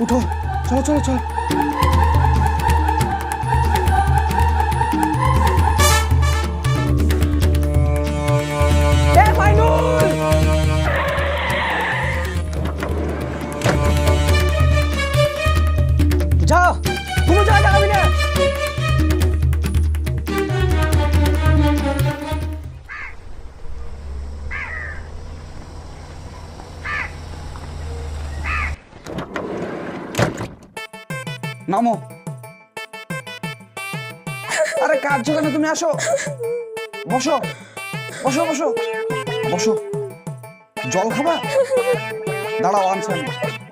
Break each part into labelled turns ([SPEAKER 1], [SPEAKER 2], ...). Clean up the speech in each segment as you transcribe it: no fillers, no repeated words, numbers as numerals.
[SPEAKER 1] উঠো, চলো চলো চলো।
[SPEAKER 2] যা, কোনো জায়গা যাবি না।
[SPEAKER 1] নামো। আরে কাঁদছো কেন? তুমি আসো, বসো বসো বসো বসো। জল খাবা? দাঁড়াও, আনছি আমি।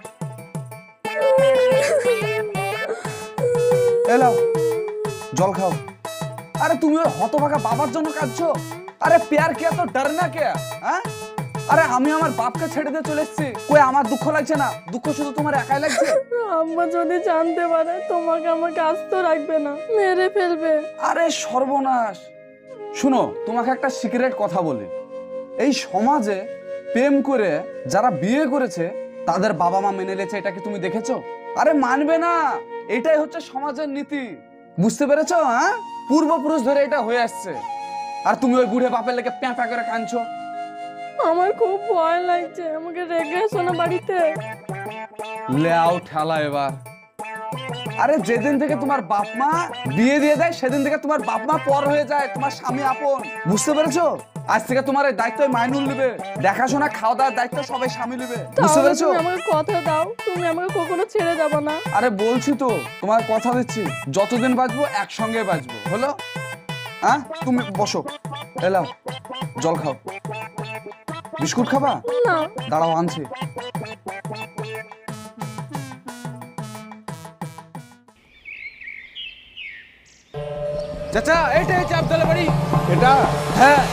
[SPEAKER 1] এলাও, জল খাও। আরে তুমি ওই হতভাগা বাবার জন্য কাঁদছো? আরে প্যার কে তো ডর না কে? হ্যাঁ, আরে আমি আমার বাপকে ছেড়ে দিয়ে চলে এসেছি, কই আমার দুঃখ লাগছে না? দুঃখ শুধু তোমার একাই লাগছে?
[SPEAKER 3] আম্মা যদি জানতে পারে তোমাকে আমাকে আস্ত রাখবে না, মেরে ফেলবে।
[SPEAKER 1] আরে সর্বনাশ! শুনো, তোমাকে একটা সিক্রেট কথা বলি। এই সমাজে প্রেম করে যারা বিয়ে করেছে তাদের বাবা মা মেনে নিয়েছে, এটা কি তুমি দেখেছো? আরে মানবে না, এটাই হচ্ছে সমাজের নীতি। বুঝতে পেরেছো? হ্যাঁ, পূর্বপুরুষ ধরে এটা হয়ে আসছে। আর তুমি ওই বুড়ে বাপের লেগে প্যাঁ প্যাঁ করে কাঁদছো।
[SPEAKER 3] আমার খুব ভয় লাগছে, আমাকে রেখে এসো না বাড়িতে।
[SPEAKER 1] লেও ঠেলা এবার। আরে যেদিন থেকে তোমার বাপ মা বিয়ে দিয়ে দেয় সেদিন থেকে তোমার বাপ মা পর হয়ে যায়, তোমার স্বামী আপন। বুঝতে পেরেছো? আজ থেকে তোমার এই দায়িত্ব মাইনুল নেবে, দেখাশোনা খাওয়া দাওয়ার দায়িত্ব সবাই স্বামী নেবে। বুঝতে
[SPEAKER 3] তাহলে
[SPEAKER 1] পেরেছো?
[SPEAKER 3] তুমি আমাকে কথা দাও, তুমি আমাকে কখনো ছেড়ে যাবে না।
[SPEAKER 1] আরে বলছি তো, তোমার কথা দিচ্ছি, যতদিন বাঁচবো একসঙ্গে বাঁচবো। হলো? হ্যাঁ, তুমি বসো, এলাও, জল খাও। বিস্কুট খাবা?
[SPEAKER 3] না।
[SPEAKER 1] দাঁড়াও, আনছি।
[SPEAKER 2] চাচা, এইটা হচ্ছে আবদুল্লাহ বাড়ি।
[SPEAKER 1] এটা?
[SPEAKER 2] হ্যাঁ।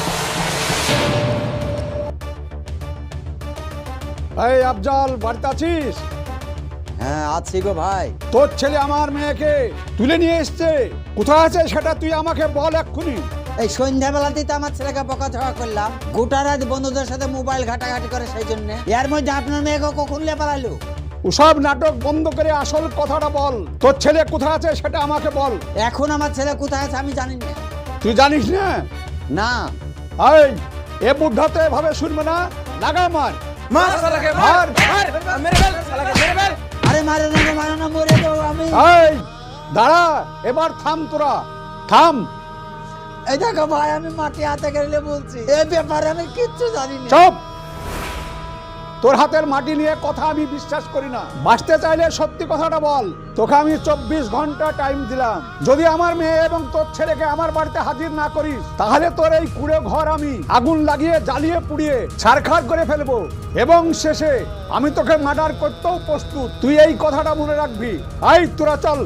[SPEAKER 4] এই আফজাল, বাড়িতে আছিস?
[SPEAKER 5] হ্যাঁ আছি গো ভাই।
[SPEAKER 4] তোর ছেলে আমার মেয়েকে তুলে নিয়ে এসছে, কোথায় আছে সেটা তুই আমাকে বল এক্ষুনি।
[SPEAKER 5] এই সন্ধ্যাবেলাতেই তো আমার ছেলেকে বকাঝকা করলাম, গোটা রাত বন্ধুদের সাথে মোবাইল ঘাটাঘাটি করে, সেই জন্য। এর মধ্যে আপনার মেয়েকে কখন লে পালালো?
[SPEAKER 4] ওসব নাটক বন্ধ করে আসল কথাটা বল। তোর ছেলে কোথায় আছে সেটা আমাকে বল।
[SPEAKER 5] এখন আমার ছেলে কোথায় আছে আমি জানি না।
[SPEAKER 4] তুই জানিস না?
[SPEAKER 5] না।
[SPEAKER 4] এই, এ বুদ্ধা তো এভাবে শুনবে না, লাগা মার।
[SPEAKER 2] মার শালাকে, মার মার, মেরে ফেল শালাকে, মেরে ফেল।
[SPEAKER 5] আরে মারে না মরে তো আমি।
[SPEAKER 4] এই দাঁড়া, এবার থাম, তোরা থাম।
[SPEAKER 5] এই দেখো ভাই, আমি মাটি হাতে গেলে বলছি, এই ব্যাপারে আমি কিচ্ছু জানি না।
[SPEAKER 4] চুপ! তোর হাতের মাটি নিয়ে কথা আমি বিশ্বাস করি না। বাঁচতে চাইলে সত্যি কথাটা বল। তোকে আমি 24 ঘন্টা টাইম দিলাম, যদি আমার মেয়ে এবং তোর ছেলেকে আমার বাড়িতে হাজির না করিস তাহলে তোর এই কুড়ে ঘর আমি আগুন লাগিয়ে জ্বালিয়ে পুড়িয়ে ছারখার করে ফেলবো, এবং শেষে আমি তোকে মার্ডার করতেও প্রস্তুত। তুই এই কথাটা মনে রাখবি। আই তোরা চল।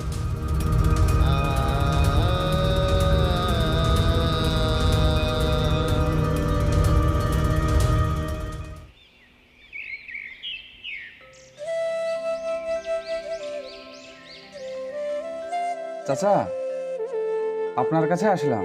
[SPEAKER 1] চাচা, আপনার কাছে আসলাম।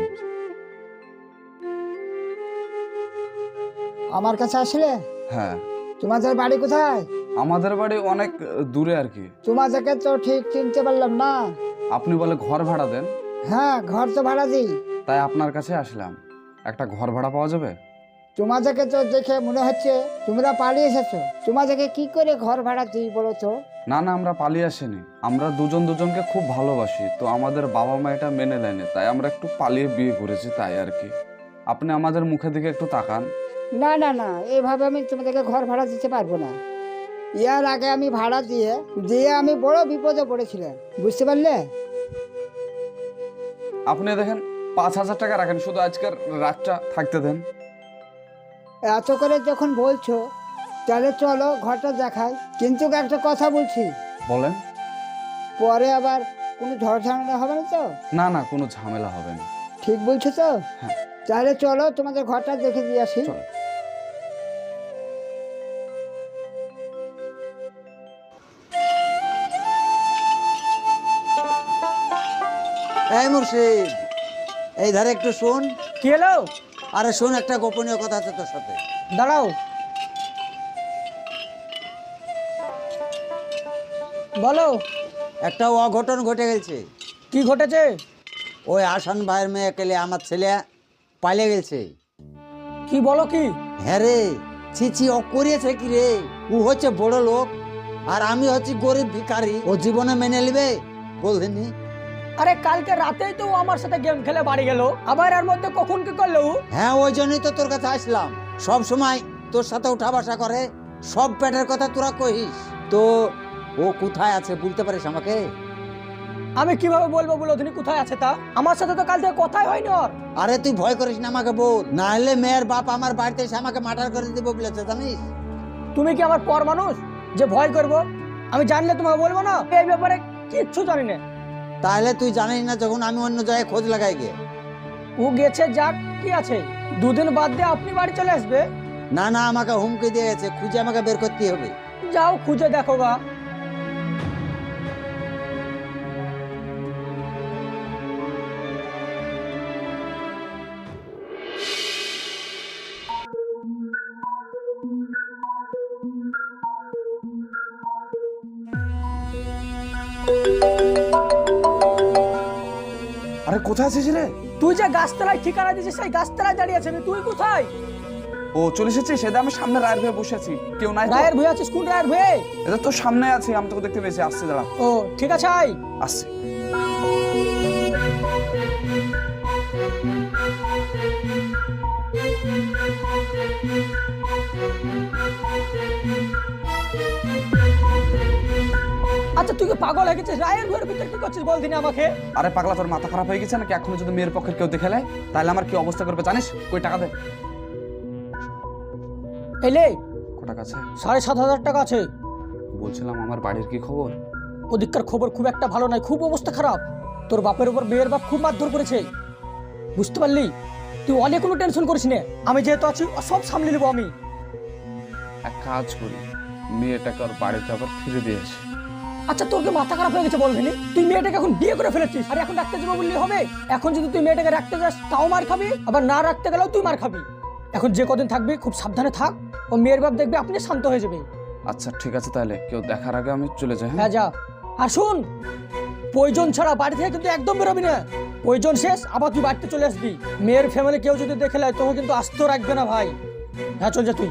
[SPEAKER 6] আমার কাছে আসলে?
[SPEAKER 1] হ্যাঁ।
[SPEAKER 6] তোমাদের বাড়ি কোথায়?
[SPEAKER 1] আমাদের বাড়ি অনেক দূরে আর কি।
[SPEAKER 6] তোমাদেরকে তো ঠিক চিনতে পারলাম না।
[SPEAKER 1] আপনি বলে ঘর ভাড়া দেন?
[SPEAKER 6] হ্যাঁ, ঘর তো ভাড়া দিই।
[SPEAKER 1] তাই আপনার কাছে আসলাম, একটা ঘর ভাড়া পাওয়া যাবে?
[SPEAKER 6] তোমাদেরকে তো দেখে মনে হচ্ছে তোমরা পালিয়ে এসেছো। তোমাদেরকে কি করে ঘর ভাড়া দিই বলো তো?
[SPEAKER 1] না না, আমরা পালিয়ে আসিনি, আমরা দুজন দুজনকে খুব ভালোবাসি, তো আমাদের বাবা মা এটা মেনে নেয়নি, তাই আমরা একটু পালিয়ে বিয়ে করেছি, তাই আর কি। আপনি আমাদের মুখের দিকে একটু তাকান।
[SPEAKER 6] না না না, এইভাবে আমি তোমাদেরকে ঘর ভাড়া দিতে পারবো না। ইয়ার আগে আমি ভাড়া দিয়ে দিয়ে আমি বড় বিপদে পড়েছিলাম, বুঝতে পারলে?
[SPEAKER 1] আপনি দেখেন 5,000 টাকা রাখেন, শুধু আজকের রাতটা থাকতে দেন।
[SPEAKER 6] এত করে যখন বলছো তাহলে চলো ঘরটা দেখাই, কিন্তু একটা কথা বলছি,
[SPEAKER 1] বলেন।
[SPEAKER 6] পরে আবার কোনো ঝড় ঝামেলা হবে না তো?
[SPEAKER 1] না না, কোনো ঝামেলা হবে না।
[SPEAKER 6] ঠিক বলছো তো?
[SPEAKER 1] হ্যাঁ।
[SPEAKER 6] তাহলে চলো তোমাদের ঘরটা দেখে দিয়ে আসি।
[SPEAKER 1] চলো।
[SPEAKER 5] এই মুর্শিদ, এই ধারে একটু শোন।
[SPEAKER 2] কি হলো?
[SPEAKER 5] আরে শোন, একটা গোপনীয় কথা আছে তোর সাথে।
[SPEAKER 2] দাঁড়াও।
[SPEAKER 5] বলো। একটা অঘটন ঘটে গেছে।
[SPEAKER 2] কি ঘটেছে?
[SPEAKER 5] ওই আসান ভাইয়ের মেয়ে কেলে আমার ছেলে পালিয়ে গেছে।
[SPEAKER 2] কি বলো কি?
[SPEAKER 5] হ্যাঁ রে, ছি ও করিয়েছে কি রে? ও হচ্ছে বড় লোক আর আমি হচ্ছি গরিব ভিখারি। ও জীবনে মেনে নেবে বলদিনি?
[SPEAKER 2] আরে কালকে রাতেই তো ও আমার সাথে গেম খেলে বাড়ি গেল, আবার এর মধ্যে কখন কি করলো ও?
[SPEAKER 5] হ্যাঁ, ওই জন্যই তো তোর কাছে আসলাম। সব সময় তোর সাথে উঠা বসা করে, সব পেটের কথা তোরা কহিস। তো ও কোথায় আছে বলতে পারিস আমাকে?
[SPEAKER 2] আমি কিভাবে বলবো বলো তিনি কোথায় আছে তা? আমার সাথে তো কাল থেকে কথাই হয়নি ওর।
[SPEAKER 5] আরে তুই ভয় করিস না আমাকে বল, না হলে মেয়ের বাপ আমার বাড়িতে এসে আমাকে মার্ডার করে দিব বলেছে জানিস?
[SPEAKER 2] তুমি কি আমার পর মানুষ যে ভয় করবো? আমি জানলে তোমাকে বলবো না? এই ব্যাপারে কিচ্ছু জানি না।
[SPEAKER 5] তাহলে তুই জানিস না যখন আমি অন্য জায়গায় খোঁজ লাগাই গিয়ে?
[SPEAKER 2] ও গেছে যাক, কি আছে, দুদিন বাদ দিয়ে আপনি বাড়ি চলে আসবে।
[SPEAKER 5] না না, আমাকে হুমকি দিয়ে গেছে, খুঁজে আমাকে বের করতে হবে।
[SPEAKER 2] যাও খুঁজে দেখো গা।
[SPEAKER 1] আরে কোথায় আছিস রে?
[SPEAKER 2] তুই যে গাছতলায় ঠিকানা দিয়েছিস সেই গাছতলায় দাঁড়িয়ে আছিস, তুই কোথায়?
[SPEAKER 1] ও চলে এসেছিস? সেটা আমি সামনে রায়ের ভয়ে বসে আছি, কেউ নাই তো?
[SPEAKER 2] রায়ের ভয়ে আছিস? কোন রায়ের ভয়ে?
[SPEAKER 1] এটা তো সামনে আছে, আমি তোকে দেখতে পেয়েছি। আসছে, দাঁড়া।
[SPEAKER 2] ও ঠিক আছে, আয়।
[SPEAKER 1] আসছে।
[SPEAKER 2] আচ্ছা তুই কি পাগল হয়ে গেছিস? রায়ের ভয়ের ভিতরে কি করছিস বল দিনে আমাকে?
[SPEAKER 1] আরে পাগলা, তোর মাথা খারাপ হয়ে গেছে নাকি? এখনো যদি মেয়ের পক্ষের কেউ দেখে নেয় তাহলে আমার কি অবস্থা করবে জানিস? কই টাকা দে।
[SPEAKER 2] এলে
[SPEAKER 1] কত টাকা আছে?
[SPEAKER 2] 7,500 টাকা আছে।
[SPEAKER 1] বলছিলাম আমার বাড়ির কি খবর?
[SPEAKER 2] ওদিককার খবর খুব একটা ভালো নয়, খুব অবস্থা খারাপ। তোর বাপের উপর মেয়ের বাপ খুব মারধর করেছে, বুঝতে পারলি? তুই অনেক কোনো টেনশন করিস না, আমি যেহেতু আছি সব সামলে নেবো আমি।
[SPEAKER 1] এক কাজ করি, মেয়েটাকে ওর বাড়িতে আবার ফিরে দিয়ে আসি।
[SPEAKER 2] আচ্ছা তোর কি মাথা খারাপ হয়ে গেছে বলবিনি? তুই মেয়েটাকে এখন বিয়ে করে ফেলেছিস, আর এখন রাখতে যাবো বললি হবে? এখন যদি তুই মেয়েটাকে রাখতে যাস তাও মার খাবি, আবার না রাখতে গেলেও তুই মার খাবি। এখন যে কদিন থাকবি খুব সাবধানে থাক, ও মেয়ের বাপ দেখবে আপনি শান্ত হয়ে যাবে।
[SPEAKER 1] আচ্ছা ঠিক আছে, তাহলে কেউ দেখার আগে আমি চলে যাই।
[SPEAKER 2] হ্যাঁ যা। আর শুন, প্রয়োজন ছাড়া বাড়ি থেকে কিন্তু একদম বেরোবি না। প্রয়োজন শেষ আবার তুই বাড়িতে চলে আসবি। মেয়ের ফ্যামিলি কেউ যদি দেখে নেয় তোকে কিন্তু আস্ত রাখবে না ভাই। হ্যাঁ চল যা তুই।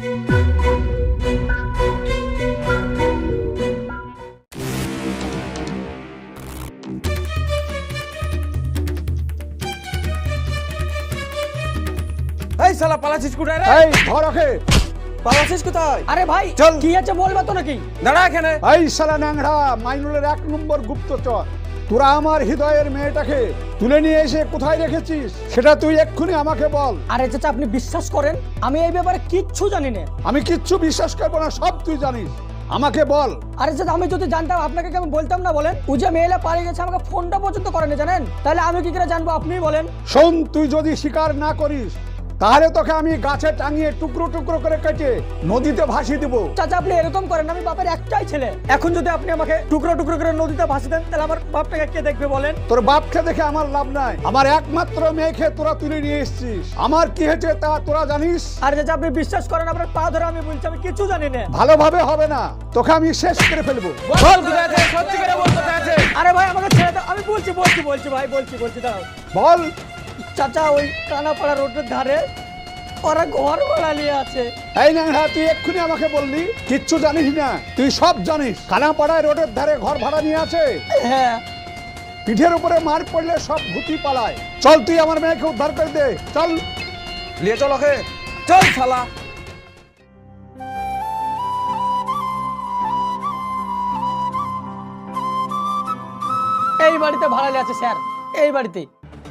[SPEAKER 7] এই শালা পালাছিস কোথায় রে?
[SPEAKER 4] এই ধর ওকে।
[SPEAKER 7] পালাছিস কোথায়?
[SPEAKER 2] আরে ভাই
[SPEAKER 7] চল।
[SPEAKER 2] কি আছে বলবা তো নাকি?
[SPEAKER 7] দাঁড়া এখানে।
[SPEAKER 4] এই শালা ন্যাংরা মাইনুলের 1 নম্বর গুপ্তচর, তোরা আমার হৃদয়ের মেয়েটাকে তুলে নিয়ে এসে কোথায় রেখেছিস সেটা তুই এক্ষুনি আমাকে বল।
[SPEAKER 2] আরে চাচা আপনি বিশ্বাস করেন আমি এই ব্যাপারে কিচ্ছু জানি না।
[SPEAKER 4] আমি কিচ্ছু বিশ্বাস করবো না, সব তুই জানিস, আমাকে বল।
[SPEAKER 2] আরে চাচা আমি যদি জানতাম আপনাকে কি আমি বলতাম না বলেন? ও যে মেয়েলা পালিয়ে গেছে আমাকে ফোনটা পর্যন্ত করেনি জানেন, তাহলে আমি কি করে জানবো আপনিই বলেন?
[SPEAKER 4] শোন, তুই যদি স্বীকার না করিস তাহলে তোকে আমি গাছে টাঙিয়ে টুকরো টুকরো করে কেটে নদীতে ভাসিয়ে দেবো।
[SPEAKER 2] চাচা আপনি এরকম করেন, আমি বাপের একটাই ছেলে। এখন যদি আপনি আমাকে টুকরো টুকরো করে নদীতে ভাসিয়ে দেন তাহলে আমার বাপটাকে কে দেখবে বলেন?
[SPEAKER 4] তোর বাপকে দেখে আমার লাভ নাই, আমার একমাত্র মেয়েকে তোরা তুলে নিয়ে এসেছিস, আমার কি হয়েছে তা তোরা জানিস।
[SPEAKER 2] আর চাচা আপনি বিশ্বাস করেন আপনার পা ধরে আমি বলছি আমি কিছু জানি না।
[SPEAKER 4] ভালোভাবে হবে না, তোকে আমি শেষ করে ফেলবো।
[SPEAKER 7] বল কোথায় আছে? সত্যি করে বল কোথায় আছে?
[SPEAKER 2] আরে ভাই আমাকে ছেড়ে দাও, আমি বলছি ভাই বলছি দাও।
[SPEAKER 4] বল।
[SPEAKER 2] চাচা ওই কানাপাড়া রোডের ধারে ওরা ঘর ভাড়া নিয়ে আছে।
[SPEAKER 4] এই ন্যাংরা, তুই এক্ষুনি আমাকে বললি কিচ্ছু জানিস না, তুই সব জানিস। খানাপাড়ায় রোডের ধারে ঘর ভাড়া নিয়ে আছে।
[SPEAKER 2] হ্যাঁ
[SPEAKER 4] পিঠের উপরে মার পড়লে সব ভূতি পালায়। চল তুই আমার মেয়েকে উদ্ধার করে দে, চল।
[SPEAKER 7] নিয়ে চল ওকে, চল শালা।
[SPEAKER 2] এই বাড়িতে ভাড়া নিয়ে আছে স্যার, এই বাড়িতে।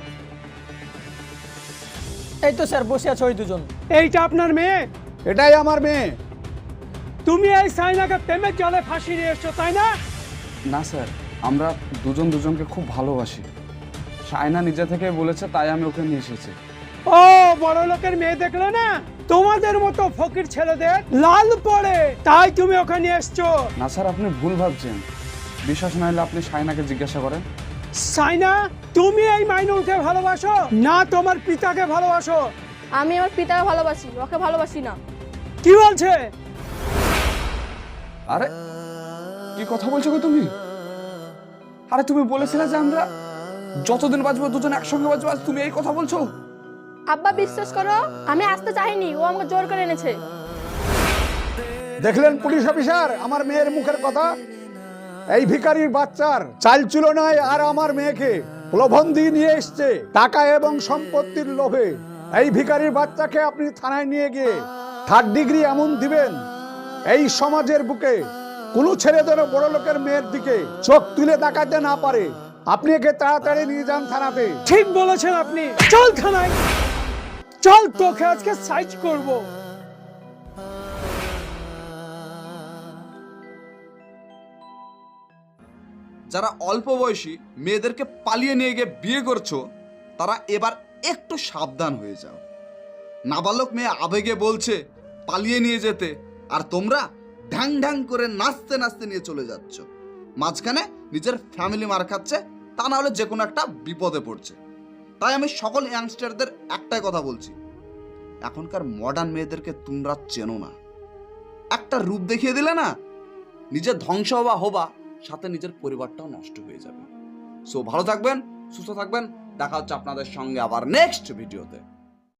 [SPEAKER 2] এই তো স্যার বসে আছে ওই দুজন।
[SPEAKER 8] এইটা আপনার মেয়ে?
[SPEAKER 4] এটাই আমার মেয়ে।
[SPEAKER 8] তুমি এই সাইনাকে প্রেমের জালে ফাঁসি নিয়ে এসছো তাই না?
[SPEAKER 1] না স্যার, আমরা দুজন দুজনকে খুব ভালোবাসি। সায়না নিজে থেকে বলেছে, তাই আমি ওকে নিয়ে এসেছি।
[SPEAKER 8] ও বড় লোকের মেয়ে দেখলে না, তোমাদের মতো ফকির ছেলেদের লাল পড়ে, তাই তুমি ওখানে নিয়ে এসছো।
[SPEAKER 1] না স্যার, আপনি ভুল ভাবছেন। বিশ্বাস না হলে আপনি সায়নাকে জিজ্ঞাসা করেন।
[SPEAKER 8] সাইনা, তুমি এই মাইনুলকে ভালোবাসো না তোমার পিতাকে ভালোবাসো?
[SPEAKER 3] আমি আমার পিতাকে ভালোবাসি, ওকে ভালোবাসি না।
[SPEAKER 8] কি বলছে?
[SPEAKER 1] আরে কি কথা বলছো গো তুমি? আরে তুমি বলেছিলে যে আমরা যতদিন বাঁচবো দুজন একসঙ্গে বাঁচবো, আজ তুমি এই কথা বলছো?
[SPEAKER 3] আব্বা বিশ্বাস করো, আমি আসতে চাইনি, ও আমাকে জোর করে এনেছে।
[SPEAKER 4] দেখলেন পুলিশ অফিসার আমার মেয়ের মুখের কথা? এই ভিখারির বাচ্চার চাল ছিল নাই আর আমার মেয়েকে প্রলোভন দিয়ে নিয়ে এসছে টাকা এবং সম্পত্তির লোভে। এই ভিখারির বাচ্চাকে আপনি থানায় নিয়ে গিয়ে 3rd ডিগ্রি এমন দিবেন, এই সমাজের বুকে কোনো ছেলে যেন বড় লোকের মেয়ের দিকে চোখ তুলে তাকাতে না পারে। আপনি একে তাড়াতাড়ি নিয়ে যান থানাতে।
[SPEAKER 8] ঠিক বলেছেন আপনি, চল থানায় চল, তোকে আজকে সাইজ করব।
[SPEAKER 1] যারা অল্প বয়সী মেয়েদেরকে পালিয়ে নিয়ে গিয়ে বিয়ে করছো, তারা এবার একটু সাবধান হয়ে যাও। নাবালক মেয়ে আবেগে বলছে পালিয়ে নিয়ে যেতে, আর তোমরা ঢ্যাং ঢ্যাং করে নাচতে নাচতে নিয়ে চলে যাচ্ছ। মাঝখানে নিজের ফ্যামিলি মার খাচ্ছে, তা না হলে যে কোনো একটা বিপদে পড়ছে। তাই আমি সকল ইয়াংস্টারদের একটাই কথা বলছি, এখনকার মডার্ন মেয়েদেরকে তোমরা চেনো না। একটা রূপ দেখিয়ে দিলে না, নিজের ধ্বংস হবা, সাথে নিজের পরিবারটাও নষ্ট হয়ে যাবে। সো ভালো থাকবেন, সুস্থ থাকবেন, দেখা হচ্ছে আপনাদের সঙ্গে আবার নেক্সট ভিডিওতে।